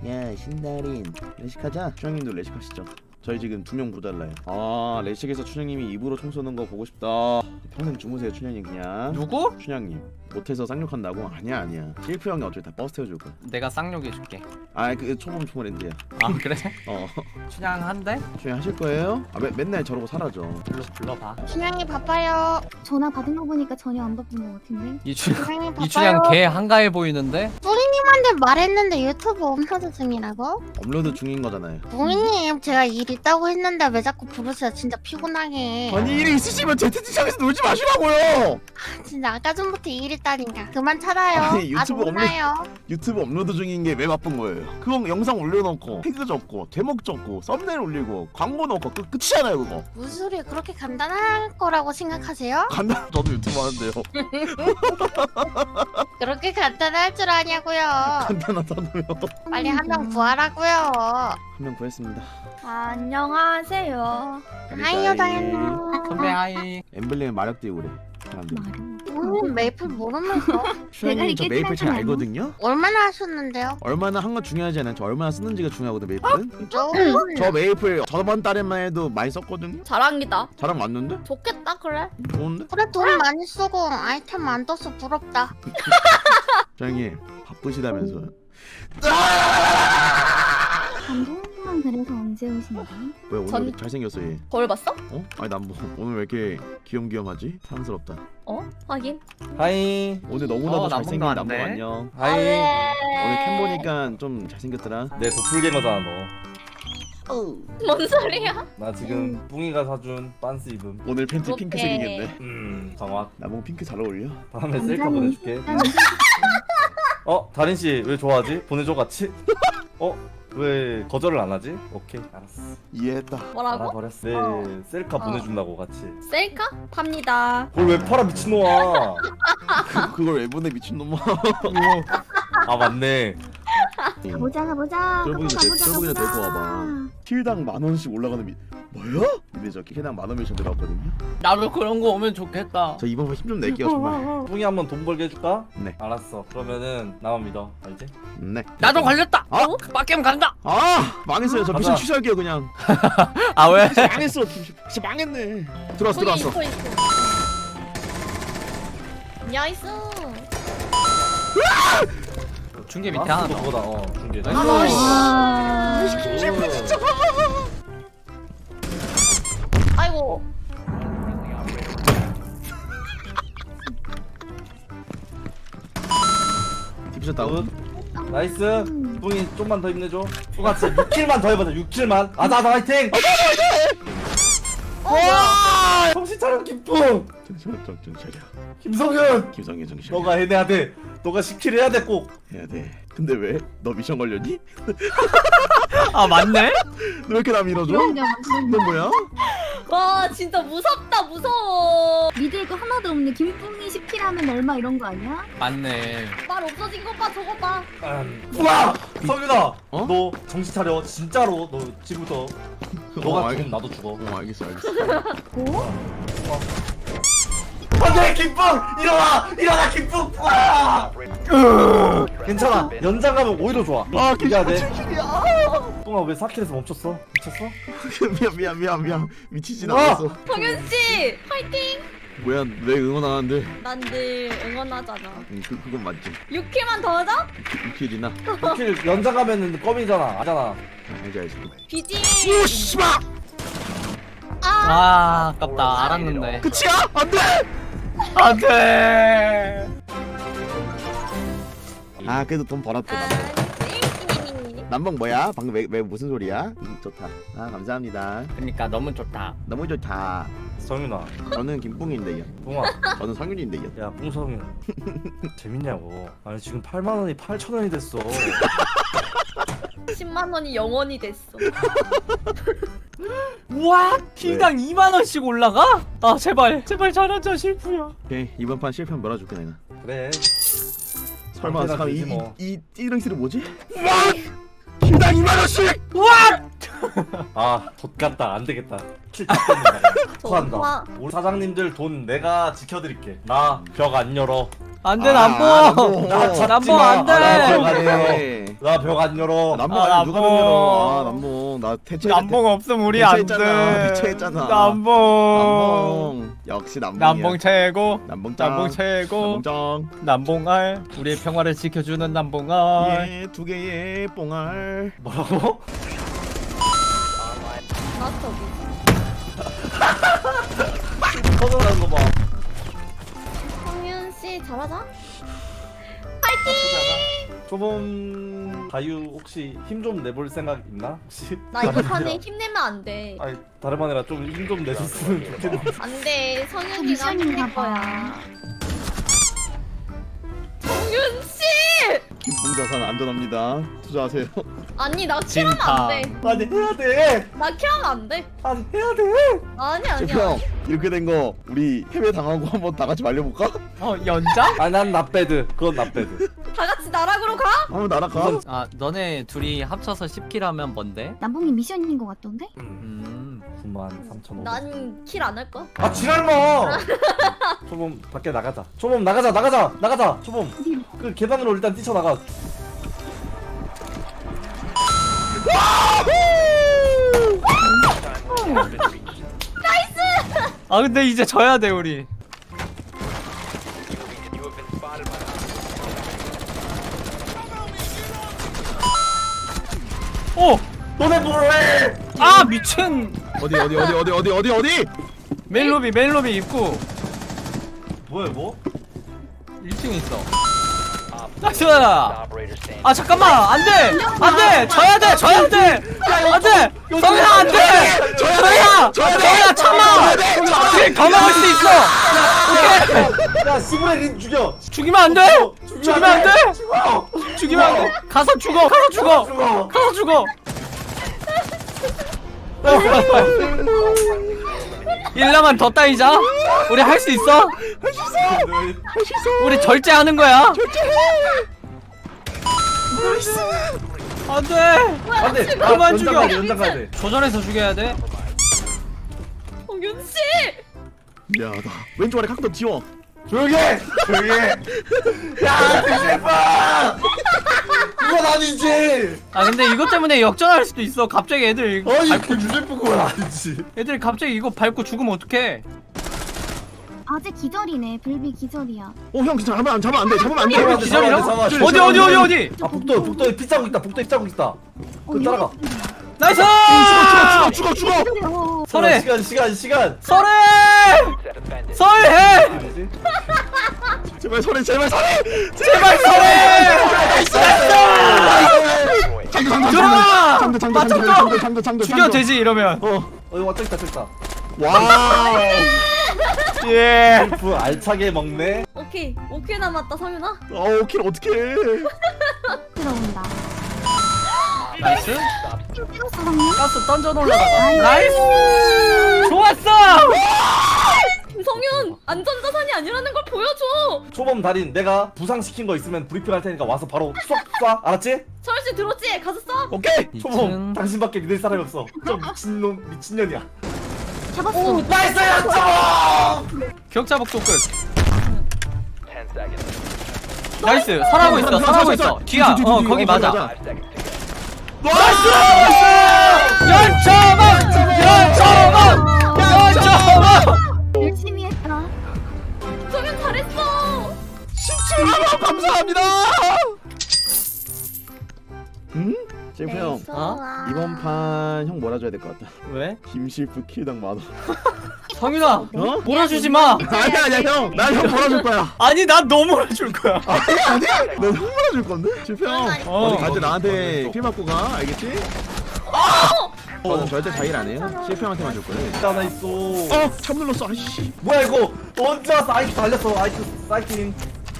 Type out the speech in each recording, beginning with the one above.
야 신달인 레식하자. 춘향님도 레식하시죠. 저희 지금 2명 부달라요. 아 레식에서 춘향님이 입으로 총 쏘는 거 보고 싶다. 평생 주무세요 춘향님 그냥. 누구? 춘향님 못해서 쌍욕한다고? 아니야. 실프 형이 어차피 다 버스 태워줄 거야. 내가 쌍욕해줄게. 아 그 초범 초월인데요. 아 그래? 어 춘향한데? 춘향 하실 거예요? 아 맨날 저러고 사라져. 불러봐. 춘향이 바빠요. 전화 받은 거 보니까 전혀 안 바쁜 것 같은데. 춘향이 바빠요. 이춘향 개 한가해 보이는데? 뿌리님한테 말했는데 유튜브 업로드 중이라고? 업로드 중인 거잖아요. 뿌리님 제가 일 있다고 했는데 왜 자꾸 부르세요? 진짜 피곤하게. 아니 일이 있으시면 ZT창에서 놀지 마시라고요. 진짜 아까 전부터 일 있다니까. 그만 찾아요. 아니, 유튜브 아주 혼나요. 유튜브 업로드 중인 게 왜 바쁜 거예요? 그거 영상 올려놓고 태그 적고 제목 적고 썸네일 올리고 광고 넣고 끝이잖아요 그거. 무슨 소리 그렇게 간단할 거라고 생각하세요? 간단 저도 유튜브 하는데요. 그렇게 간단할 줄 아냐고요. 간단하다고요. 빨리 한 명 구하라고요. 한 명 구했습니다. 안녕하세요. 하이요 다현님. 선배 하이. 엠블렘 마력 띄우고 그래. 사람들. 뿌리님 메이플 모르면서 춘향님 저 이렇게 메이플 잘 생각하면 알거든요. 얼마나 하셨는데요? 얼마나 한 건 중요하지 않아요. 저 얼마나 쓰는지가 중요하거든 메이플은. 저 저 메이플 저번 달에만 해도 많이 썼거든요. 자랑이다. 자랑 맞는데? 좋겠다 그래. 좋은데? 그래 돈 많이 쓰고 아이템 안 떠서 부럽다. 춘향님 바쁘시다면서요. 감동만 그래서 언제 오신다? 왜 오늘 전- 이렇게 잘생겼어 얘? 거울 봤어? 어? 아니 난 뭐 오늘 왜 이렇게 귀염귀염하지? 사랑스럽다. 어? 확인. 하이. 오늘 너무나도 남봉도 잘생긴 안 남봉 돼. 안녕. 하이. 오늘 캠 보니까 좀 잘생겼더라. 내 도플갱어잖아 너. 뭔 소리야? 나 지금 뿡이가 사준 빤스 입음. 오늘 팬티 그렇게. 핑크색이겠네. 정확. 남봉 핑크 잘 어울려. 다음에 셀카 보내줄게. 다린 씨 왜 좋아하지? 보내줘 같이. 왜 거절을 안 하지? 오케이 알았어. 이해했다. 뭐라고? 알아버렸어. 네 셀카 보내준다고 같이. 셀카? 팝니다. 그걸 왜 팔아 미친놈아. 그걸 왜 보내 미친놈아. 아 맞네. 가보자. 쫄보기나 데리고 와봐. 킬당 10,000원씩 올라가는 뭐야? 근데 저 킬당 10,000원 미션 들어갔거든요. 나도 그런 거 오면 좋겠다. 저 이번 힘 좀 낼게요 정말. 뿡이 한번 돈 벌게 해줄까? 네. 알았어. 그러면은 나만 믿어. 알지? 네. 나도 걸렸다. 어? 빡겜 간다. 아 망했어요. 저 미션 가자. 취소할게요 그냥. 아 왜? 망했어. 진짜 망했네. 들어왔어. 있어. 나이스. 중계 밑에 하나 더. 그거다. 중계. 나이스. 아이고. 디비전 다운. 나이스. 뿡이 좀만 더 힘내줘. 똑같이 6킬만 더 해보자. 6킬만. 아자 화이팅. 와! 정신 차려 김뿡. 정신 차려. 김성현. 김성현 정신. 너가 해내야 돼. 너가 10킬 해야 돼 꼭. 해야 돼. 근데 왜? 너 미션 걸렸니? 아 맞네? 너 왜 이렇게 나 밀어줘? 너 뭐야? 와 진짜 무섭다 무서워. 믿을 거 하나도 없네. 김뿡이 10킬하면 얼마 이런 거 아니야? 맞네. 말 없어진 것 봐 저거 봐. 우와! 성윤아. 어? 너 정신 차려. 진짜로. 너 지금부터 너가 죽으면 나도 죽어. 알겠어. 안돼 김뿡! 일어나 김뿡! 와! 괜찮아. 연장 가면 오히려 좋아. 아 이겨야 돼. 뿡아 왜 4킬에서 멈췄어? 미쳤어? 미안. 미치진 어! 않았어. 성현 씨 화이팅. 뭐야 왜 응원 안 하는데? 난 늘 응원하잖아. 그건 맞지. 6킬만 더 하자. 6킬이나. 6킬 연장 가면은 껌이잖아. 아잖아. 알지. BG. 오 씨발. 아 아깝다. 알았는데. 끝이야? 안돼. 안돼. 아 그래도 돈 벌었다. 남봉 뭐야? 방금 왜 무슨 소리야? 좋다. 아 감사합니다. 그러니까 너무 좋다. 너무 좋다. 성윤아. 저는 김뿡인데요. 뿡아. 저는 성윤인데요. 야 뿡성윤. 재밌냐고. 아니 지금 8만원이 8천원이 됐어. 10만 원이 영원이 됐어. 우와 킬당 2만 원씩 올라가? 아 제발 잘하자 실프야. 오케이 이번 판 실패하면 몰아줄게 내가. 그래. 설마 상태나 잠깐 되지 뭐. 이 띠렁이를 뭐지? 와! 킬당 2만 원씩! 아, 좆같다. 안 되겠다. 킬 땄겠네. 토한다. 좋아. 우리 사장님들 돈 내가 지켜드릴게. 나 벽 안 열어. 안돼 아, 남보. 나 잡지 남보 마. 안돼. 아, 나 벽 안 열어. 네. 나 벽 안 열어. 남봉 아, 아니 누가 남봉. 열어? 아 남봉 나 대체 남봉 없으면 우리 안 돼. 대체했잖아. 남봉. 남봉 역시 남봉이야. 남봉 최고. 남봉짱. 남봉 최고. 남봉짱. 남봉알. 우리의 평화를 지켜주는 남봉알. 예, 두 개의 뽕알. 뭐라고? 마스터 비. 터져나는 거 봐. 성윤 씨 잘하자. 조범 가유 혹시 힘 좀 내볼 생각 있나? 혹시? 나 이거 판에 힘내면 안 돼. 아니 다름 아니라 좀 힘 좀 내줬으면 좋겠는데. 안 돼. 성윤이가 미션인가 힘낼 봐. 거야. 성윤 씨! 김풍자산 안전합니다. 투자하세요. 아니 나 킬하면 안 돼. 아니 해야 돼. 나 킬하면 안 돼. 아니 해야 돼. 아니 아니야. 형 이렇게 된 거 우리 해외 당하고 한번 다 같이 말려볼까? 연장? 아난 나배드. 그건 나배드. 다 같이 나락으로 가? 한번 날아가. 아 너네 둘이 합쳐서 10킬 하면 뭔데? 남봉이 미션인 것 같던데? 93,500. 난 킬 안 할 거야. 아 지랄마. 초범 밖에 나가자. 초범 나가자. 초범 그 계단으로 일단 뛰쳐나가. 아 근데 이제 져야 돼 우리. 오! 너네 뭐해? 아 미친! 어디? 메인로비 입구 뭐야 뭐? 1층에 있어. 나이스! 아 잠깐만 안돼! 져야돼! 안돼! 성현아 안돼! 성현아 참아! 길 더 막을 수 있어! 야 시브레린 죽여. 죽이면 안돼! 죽이면 안돼! 죽어. 죽이면 안돼! 가서 죽어! 죽어. 1라만 더 따이자. 우리 할 수 있어. 우리 절제하는 거야. 안돼. 안돼. 그만 죽여. 연장 가야 돼. 조절해서 죽여야 돼. 성윤 씨! 미안하다. 왼쪽 아래 각도 지워. 조용히 해. 야 대박. 그건 아니지. 아 근데 이것 때문에 역전할 수도 있어. 갑자기 애들 아니 그 유재프 그건 아니지. 애들이 갑자기 이거 밟고 죽으면 어떡해? 아직 기절이네. 불비 기절이야. 형 진짜 잡으면 안 돼. 기절이라고? 잡아. 어디? 아 북도에 피 자국 있다. 북도에 피 자국 있다. 그 따라가. 나이스! 죽어. 어, 설해! 시간. 설해! 뭐지? 제발 설해. 제발 설해! 장도. 죽여 되지 이러면. 이거 왔다 있다. 와. 예. 프 알차게 먹네. 오케이 남았다 성윤아. 킬 어떡해. 들어온다. 나이스. 찍었어 방금? 가스 던져 올라가. 나이스. 좋았어. 성윤 안전자산이 아니라는 걸 보여줘. 초범 달인 내가 부상시킨 거 있으면 브리핑 할 테니까 와서 바로 쏴. 알았지? 철씨 들었지? 가서 써. 오케이. 초범 당신밖에 믿을 사람이 없어. 저 미친년이야. 잡았어. 나이스 초범. 격자 복도 끝. 나이스. 설하고 있어. 뒤야. 거기 맞아. 나이스! 연초방! 열심히 했다. 성윤 잘했어. 17만 감사합니다. 제프 형 이번 판 형 몰아줘야 될 것 같다. 왜? 김실프 킬당 만원. 성윤아, 몰아주지 마. 아니야 형. 나 형 몰아줄 거야. 아니 난 너 몰아줄 거야. 아니? 너 형 몰아줄 건데? 실프 형. 어. 어디 갈 때 나한테 킬 맞고 가. 알겠지? 저는 절대 자일 안 해요. 실프 형한테만 줄 거예요. 하나 있어. 참 눌렀어. 아이씨. 뭐야 이거? 언제 왔어? 아이큐 달렸어. 아이큐 사이팅.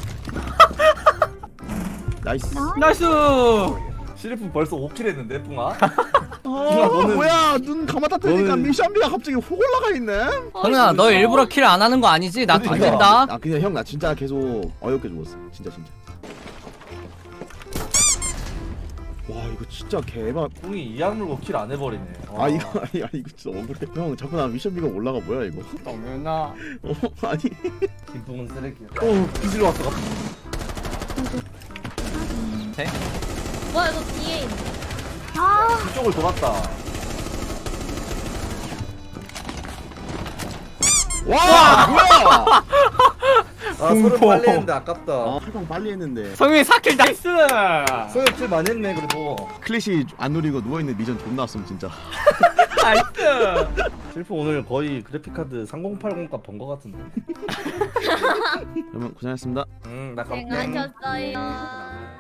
나이스. 나이스. 시리프 벌써 5킬 했는데 뿡아. 너는 뭐야? 눈 감았다 뜨니까 너는- 미션비가 갑자기 훅 올라가 있네. 성윤아, 너 일부러 킬 안 하는 거 아니지? 나 그러니까. 던진다. 아 그냥 형 나 진짜 계속 어이없게 죽었어. 진짜. 와 이거 진짜 개발. 뿡이 이악 물고 킬 안 해버리네. 아 이거 이거 진짜 억울해. 형 자꾸 나 미션비가 올라가 뭐야 이거? 성윤아. 아니. 김뿡은 쓰레기야. 오 비질 왔어. 돼? 뭐야 너 뒤에 있네. 아 이쪽을 돌았다. 와 뭐야? 아 서른 공포. 빨리 했는데 아깝다. 아 활동 빨리 했는데 성윤이 4킬 나이스. 소영 킬 많이 했네 그래도. 클래시 안 누리고 누워있는 미전 존나 왔음 진짜. 나이스. 실프 오늘 거의 그래픽카드 3080값 번 거 같은데. 그러면 고생하셨습니다. 나 가볼게. 고생하셨어요.